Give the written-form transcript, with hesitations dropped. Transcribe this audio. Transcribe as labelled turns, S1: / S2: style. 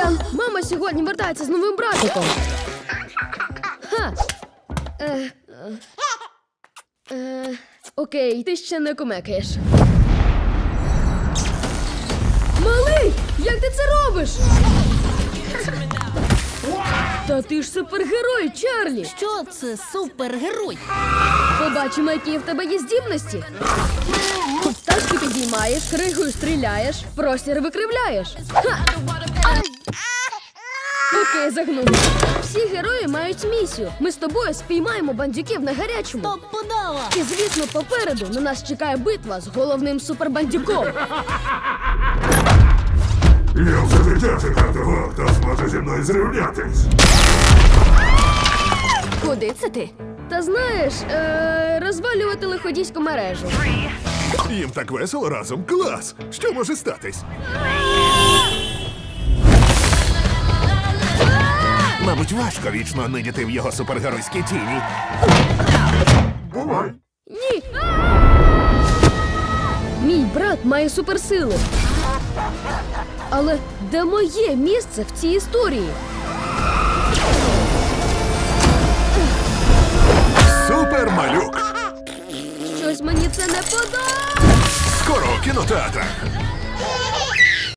S1: Сорян, мама сьогодні вертається з новим братиком. Ха. Окей, ти ще не кумекаєш. Малий, як ти це робиш? Та ти ж супергерой, Чарлі!
S2: Що це супергерой?
S1: Побачимо, які в тебе є здібності. Тачки підіймаєш, кригою стріляєш, простір викривляєш. Ха! Окей, загнув. Всі герої мають місію. Ми з тобою спіймаємо бандюків на гарячому.
S2: Топ подава!
S1: І, звісно, попереду на нас чекає битва з головним супербандюком.
S3: Я вже дитя чекав того, хто зможе зі мною зрівнятись.
S2: Куди це ти?
S1: Та знаєш, розвалювати лиходійську мережу.
S3: Їм так весело разом. Клас! Що може статись? Мабуть, важко вічно нидіти в його супергеройській тіні. Бувай!
S1: Ні! Мій брат має суперсили. Але де моє місце в цій історії?
S3: Супермалюк!
S1: Щось мені це не подобається.
S3: Скоро у кінотеатрах!